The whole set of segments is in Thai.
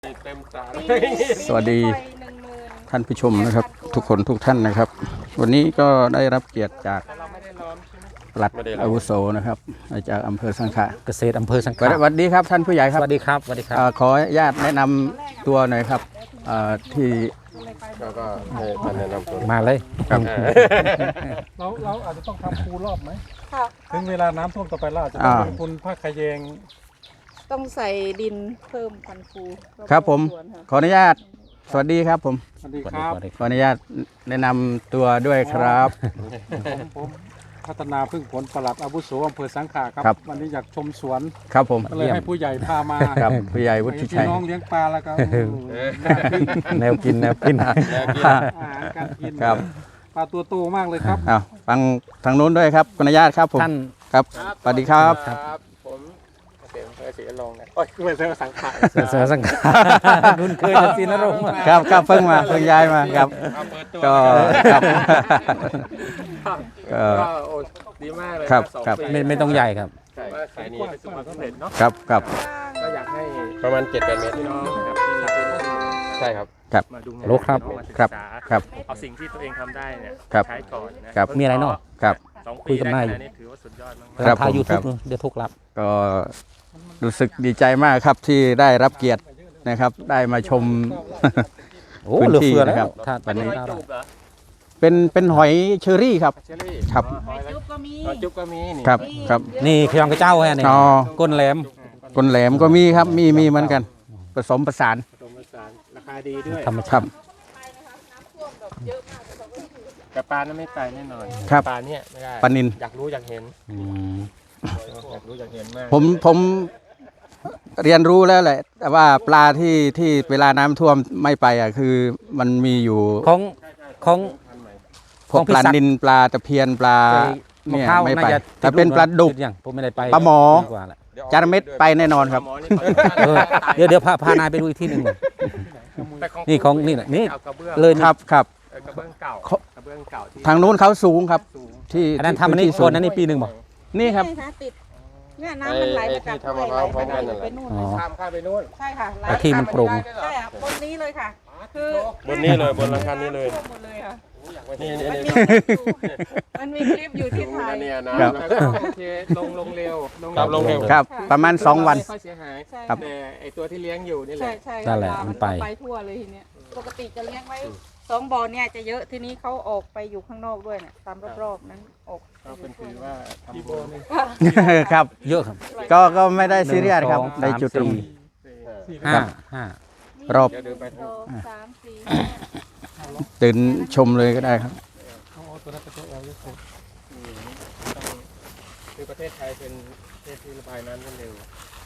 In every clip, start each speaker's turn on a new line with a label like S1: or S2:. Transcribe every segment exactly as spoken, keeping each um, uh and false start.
S1: เต็มตา
S2: สวัสดีท่านผู้ชมนะครับทุกคนทุกท่านนะครับวันนี้ก็ได้รับเกียรติจากปลัดอาวุโสนะครับจากอำเภอสังขะ
S3: เกษตรอำเภอสังขะ
S2: สวัสดีครับท่านผู้ใหญ่ครับ
S3: สวัสดีครับสวัสดีครับ
S2: ขออนุญาตแนะนำตัวหน่อยครับที่
S1: ก็มาแนะนำตัว
S3: มาเลย
S2: ครับ
S4: เราเราอาจจะต้องทำคูรอบไหมถึงเวลาน้ำท่วมต่อไปเราอาจจะต้องลงทุนผ้าขยง
S5: ต้องใส่ดินเพิ่มพันธุ์ฟู
S2: ครับผมขออนุญาตสวัสดีครับผม
S4: สวัสดีครับ
S2: ขออนุญาตแนะนำตัวด้วยครับ
S4: ผมพัฒนาพึ่งผลปลัดอาวุโสอำเภอสังขะครับวันนี้อยากชมสวน
S2: ครับผม
S4: ก็เลยให้ผู้ใหญ่พามา
S2: ครับผู้ใหญ่วุฒิชัย
S4: พี่น้องเลี้ยงปลาแล้วก็
S3: แนวกินแนวกิน
S4: อาหารการกิน
S2: ครับ
S4: ปลาตัวโตมากเลยครับ
S2: อ้าวฟังทางนู้นด้วยครับขออนุญาตครับผม
S3: ท่าน
S2: ครับสวัสดีครับ
S1: ผมเสียงเสียงลงนะโอ้ยคือเป็นเสือสังขาร
S3: เสือสังขารคุณเคยจะซีนรงค์
S2: ครับครับเพิ่งมาเพิ่งย้ายมาครับก็ครับ
S1: ก็โอ้ดีมากเลย
S2: ครับครับ
S3: ไม่ไม่ต้องใหญ่ครับ
S1: ใช่สายนี้เป็นสุขภาพสำเร็จเนาะ
S2: ครับครับ
S1: ก็อยากให้ประมาณเจ็ดแปดเมตรพี่น้องครับใช่ครับ
S2: ครับ
S1: มาดู
S3: โลครับ
S2: ครับครับ
S1: เอาสิ่งที่ตัวเองทำได้เนี่ยใช้ก่อนนะ
S2: ครับ
S3: มีอะไรเนาะ
S2: ครับ
S1: คุยกันได้นี่ถือว่าสุดยอดมาก
S3: ครับทายยูทูบเดี๋ยวทุกรับ
S2: ก็รู้สึกดีใจมากครับที่ได้รับเกียรตินะครับได้มาชม
S3: พื้นที่
S2: นะครับ
S1: วันนี้
S2: เป็นเป็นหอยเชอรี่ครับครับ
S5: จุ๊บก็มี
S1: จุ๊บก็มีนี่
S2: ครับครับ
S3: นี่ขยองกระเจ้าแฮะนี่ก้นแหลม
S2: ก้นแหลมก็มีครับมีมีเหมือนกันผสมผสาน
S1: ผสมผสานราคาดีด้วย
S3: ธรรมชาติ
S1: แต่ปลานั้นไม่ไปแน่นอนปลาเนี่ยไม่ได้
S2: ปลานิล
S1: อยากรู้อยากเห็นอยากรู้อยากเห็นมาก
S2: ผมผมเรียนรู้แล้วแหละแต่ว่าปลาที่ที่เวลาน้ำท่วมไม่ไปอ่ะคือมันมีอยู่
S3: ของของ
S2: พวกปลานิลปลาตะเพียนปลาเนี่ยไม่ไปแต่เป็นปลาดุก
S3: ผมไม่ได้ไป
S2: ปลาหมอจาระเม็ดไปแน่นอนครับ
S3: เดี๋ยวเดี๋ยวพาพานายไปดูอีกที่หนึ่งนี่ของนี่นี่เลย
S2: ครับครับ
S1: กระเบื้องเก่ากระเบื้องเก่า
S2: ทางนู้นเขาสูงครับที่
S3: อันนั้นทำอันนี้โซนนั้นนี่ปีหนึ่งบอก
S2: นี่ครับ
S5: ติดเนี่ยน้ำมันไหลมาจาก
S1: ทำมะพร้าวพร้อมกันนั่นแหละข้ามข้ามไปนู่น
S5: ใช่ค่ะ
S3: แต่ที่มันโปร่ง
S5: ใช่ค่ะบนนี้เลยค่ะคือบ
S1: นนี้เลยบนหลังคานี้เลย
S5: หมดเลยค่ะ
S1: นี่นี่
S5: มันมีคลิปอยู่ที่ไทย
S1: เนี่ยนะแล้วก็โอเคลงลงเร็วลงเร็ว
S2: ครับประมาณสองวัน
S1: ค่อยเสียหาย
S2: ครับ
S1: แต่ไอตัวที่เลี้ยงอยู่นี่แหละ
S5: ใช่
S3: นั่นแหละมันไป
S5: ไปทั่วเลยทีเนี้ยปกติจะเลี้ยงไว้สองบ่อเนี่ยจะเยอะทีนี้เขาออกไปอยู่ข้างนอกด้วยเนี่ยตามรอบๆนั้นออก
S1: ก็เป็นถือว่าทำบ่อนี่
S2: ครับ
S3: เยอะครับ
S2: ก็ก็ไม่ได้ซีเรียสครับในจุดตรง
S3: ห้าห้
S2: ารอบ
S5: สามสี่
S2: ตื่นชมเลยก็ได้ครับ
S1: คือประเทศไทยเป็นประเทศที่ระบายน้ำได้เร็ว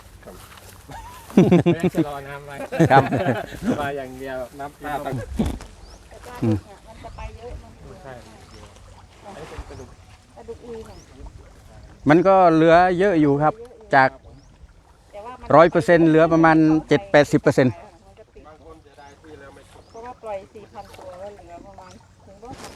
S1: ไม่จะรอน้ำไว้
S2: ครับ
S1: ระบายอย่างเดียวน้ำปลาต่าง
S5: มันจะไปเยอะ
S1: ใช่อันนี้เป็นกระดูก
S5: กระดูกอุยเนี่ย
S2: มันก็เหลือเยอะอยู่ครับจากร้อยเปอร์เซ็นต์เหลือประมาณเจ็ดแปดสิบเปอร์เซ็นต์
S5: เพราะว่าปล่อยสี่พันตัวแล้วเหลือประมาณถึงร้อยพัน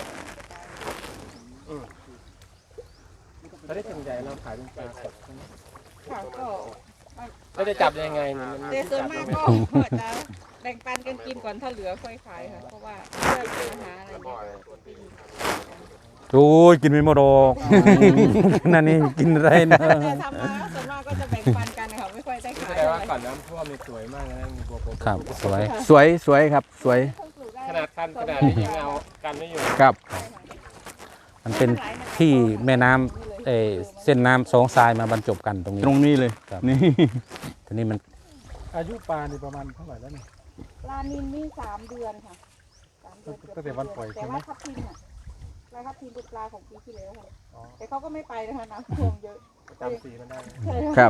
S5: ตัว
S1: ถ้าได้ถึงใหญ่เราขายเป็นปลาสด
S5: ค่ะก็
S1: ไม่ได้จับยังไงมัน
S5: แต่ส่วนมากก็จะแบ่งปันกันกินก่อนถ้าเหลือค่อยขายค่ะเพราะว่าเพื่อเป็นอาหารอะไรอย่างเงี้ย
S3: โอ้ยกินไม่หมดหรอกนั่นนี่กินอะไรนะ
S5: แต่ทำมาส่วนมากก็จะแบ่งปันกันค่ะไม่ค่อยได้ขาย
S1: แต่ว่าก่อนน้ำท่วมนี่สวยมากนะมีบัวโป
S3: ครับสวย
S2: สวยสวยครับสวย
S1: ขนาดคันขนาดนี้ยังเอากันไม่อยู่
S2: ครับ
S3: มันเป็นที่แม่น้ำเอเส้นน้ำสองทรายมาบรรจบกันตรงนี้
S2: ตรงนี้เลยนี่
S3: ทีนี้มัน
S4: อายุปลานี่ประมาณเท่าไหร่แล้วนี่
S5: ปลานิลนี่สามเดือนค่ะสามเดือน
S4: ตั้งแต่วันปล่อยใช่ไหม
S5: แต่ว่าทับทิมอ่ะปลาทับทิมเป็นปลาของปีที่แล้วค่ะแต่เขาก็ไม่ไปนะคะน้ำท่วมเยอะ
S1: จำสีมันได้
S2: ครับ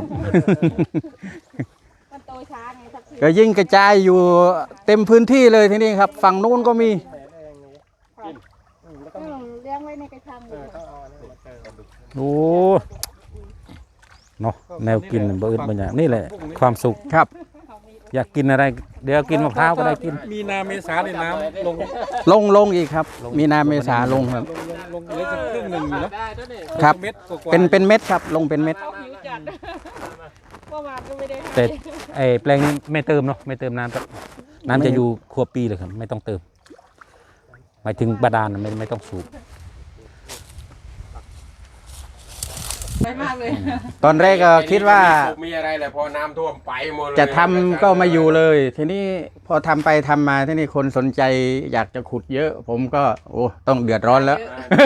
S5: มันโตช้าไงทับทิม
S2: ก็ยิ่งกระจายอยู่เต็มพื้นที่เลยที่นี่ครับฝั่งนู้นก็มี
S5: เลี้ยงไว้ในกระชังเลย
S3: โอ้เนาะแนวกินเบิร์ดบางอย่างนี่แหละความสุข
S2: ครับ
S3: อยากกินอะไรเดี๋ยวกินมะพร้าวก็ได้กิน
S4: มีนาเมษาในน้ำลง
S2: ลงลงอีกครับมีนาเมษาลงครับ
S4: ลงเหลือจะครึ่งหนึ่งอยู่นะครับ
S2: เป็นเป็นเม็ดครับลงเป็นเม็ด
S5: เมื่อวานก็ไม่ได้ให้
S3: แต่ไอ้แปลงนี้ไม่เติมเนาะไม่เติมน้ำครับน้ำจะอยู่ครัวปีเลยครับไม่ต้องเติมหมายถึงบาดาลน่ะไม่ไม่ต้องสูบ
S5: ไปมากเลย
S2: ตอนแรกก็คิดว่า
S1: มีอะไรแหละพอน้ำท่วมไปหมดเลย
S2: จะทำก็มาอยู่เลย ทีนี้พอทำไปทำมาที่นี่คนสนใจอยากจะขุดเยอะ ผมก็โอ้ต้องเดือดร้อนแล้ว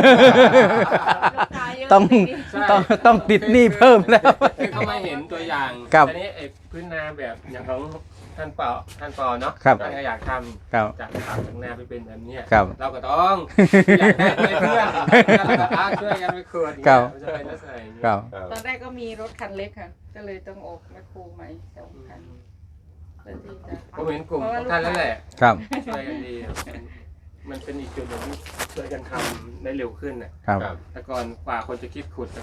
S2: ต้องต้องต้องติดหนี้เพิ่มแล้ว
S1: เขาไม่เห็นตัวอย่าง
S2: ครับ
S1: อันนี้ไอ้พื้นนาแบบอย่างของท่านเปาท่านปอเนาะ
S2: ครับ
S1: ท่านก็อยากท
S2: ครับ
S1: ำจากปากถึงนาไปเป็นแบบเนี้ย
S2: ครับ
S1: เราก็ต้องอยากให้เพื่อนเราก็อ่ะช่วยกันไปขวด
S2: ครับ
S1: มันจะเป็นลักษณะอย่างนี้
S2: ครับ
S5: ตอนแรกก็มีรถคันเล็กค่ะ ก็เลยต้องออกแมคโครใหม่สองคันเพื่อที่จะ
S1: ผมเห็นกลุ่มของท่านแล้วแหละ
S2: ครับ
S1: ช่วยกันดีมันมันเป็นอีกจุดหนึ่งที่ช่วยกันทำได้เร็วขึ้นน่ะ
S2: ครับ
S1: แต่ก่อนกว่าคนจะคิดขุดอะ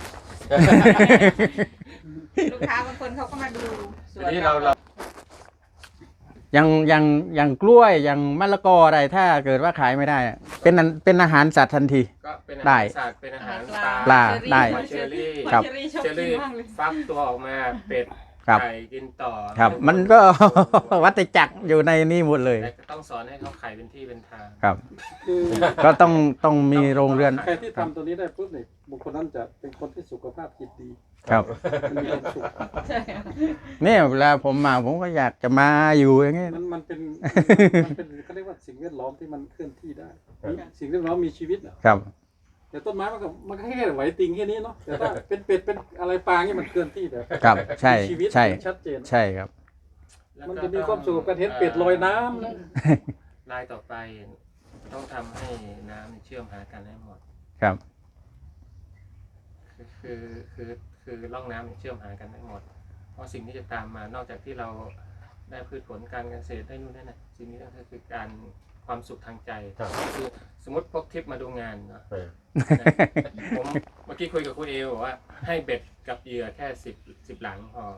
S5: ลูกค้าบางคนเขาก็มาดูสวน
S1: ทีนี้เราเรา
S2: อย่างอย่างอย่างกล้วยอย่างมะละกออะไรถ้าเกิดว่าขายไม่ได้อะเป็นอันเป็นอาหารสัตว์ทันที
S1: ก็เป็นอา
S2: ได้
S1: หารสัตว์เป็นอาหารปลา
S2: ปลาได้
S1: หอยเชอรี่
S2: ครับ
S5: เชอรี่ชอบ
S1: เชอ
S5: กิน
S1: รี่
S5: มากเลย
S1: ฟักตัวออกมาเป็ด
S2: ครับ
S1: ไก่กินต่อ
S2: ครับ มันก็ วัฏจักรอยู่ในนี่หมดเลย
S1: แต่ก็ต้องสอนให้เขาไข่เป็นที่เป็นทาง
S2: ครับ
S4: คือ
S2: ก็ต้องต้องมีโรงเรือน
S4: ใครที่ทำตัวนี้ได้ปุ๊บเนี่ยบุคคลนั้นจะเป็นคนที่สุขภาพจิตดี
S2: ครับ
S4: มันมีความสุข
S5: ใช่ค่ะ
S2: เนี่ยเวลาผมมาผมก็อยากจะมาอยู่อย่างเงี้ย
S4: มันมันเป็นมันเป็นเขาเรียกว่าสิ่งแวดล้อมที่มันเคลื่อนที่ได้มีสิ่งแวดล้อมมีชีวิตอ่ะ
S2: ครับ
S4: แต่ต้นไม้มันก็มันก็แค่ไหวติงแค่นี้เนาะแต่ถ้าเป็นเป็ดเป็นอะไรปลาเนี่ยมันเคลื่อนที่แบบ
S2: ครับใช่
S4: มีชีวิต
S2: ใช่
S4: ชัดเจน
S2: ใช่ครับ
S1: แล้ว
S4: มัน
S1: ก็
S4: จะมีความสุขกับการเห็นเป็ดลอยน้ำนะ
S1: ลายต่อไป ต้องทำให้น้ำเชื่อมหากันให้หมด
S2: ครับ
S1: คือคือคือคือร่องน้ำเชื่อมหากันให้หมด เพราะสิ่งที่จะตามมานอกจากที่เราได้พืชผลการเกษตรได้นู่นนั่นน่ะสิ่งนี้ก็คือการความสุขทางใจคือสมมติพกทริปมาดูงานเนาะผมเมื่อกี้คุยกับคุณเอบอกว่าให้เบ็ดกับเหยื่อแค่สิบสิบหลังพอ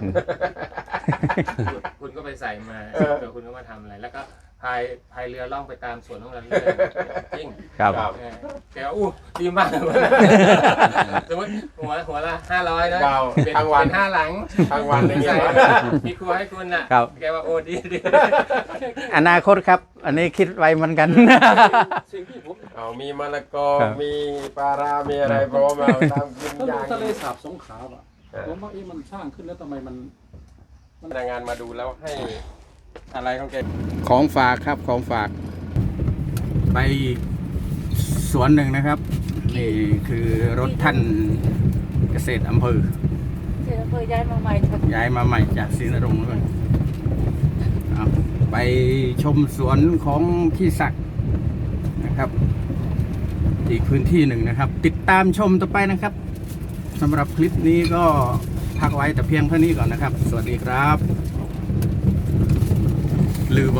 S1: คุณคุณก็ไปใส่มาเดี๋ยวคุณก็มาทำอะไรแล้วก็พายพายเรือล่องไปตามสวนของเราเรื่อยๆจริง
S2: ครับ
S1: เออแกว่าอู้ดีมากเลยสมมติหัวหัวละห้าร้อยนะเป็นเป็นห้าหลัง
S6: ทั้งวันอย่างเงี้ย
S1: มีครัวให้คุณน่ะ
S2: ครับ
S1: แกว่าโอ้ดีดี
S2: อนาคตครับ อันนี้คิดไว้เหมือนกัน
S4: สิ่งที่ผม
S6: เอามีมะละกอ
S2: ครับ
S6: มีปลารามีอะไรพร้อมเอาตามกิน
S4: ถ้า
S6: อ
S4: ดู
S6: ย่าง
S4: ทะเลสาบสงขลาอ่ะผมว่าเอ๊ะมันสร้างขึ้นแล้วทำไมมัน
S1: พนักงานมาดูแล้วให้อะไรของแก
S2: ของฝากครับของฝาก ไปสวนหนึ่งนะครับ นี่คือรถท่านเกษตรอำเภอ
S5: เจอเพื่อย้ายมาใหม่ค่ะ
S2: ย้ายมาใหม่จากศรีนรงค์เลยเอาไปชมสวนของพี่ศักดิ์นะครับ อีกพื้นที่หนึ่งนะครับ ติดตามชมต่อไปนะครับสำหรับคลิปนี้ก็พักไว้แต่เพียงเท่านี้ก่อนนะครับ สวัสดีครับลืม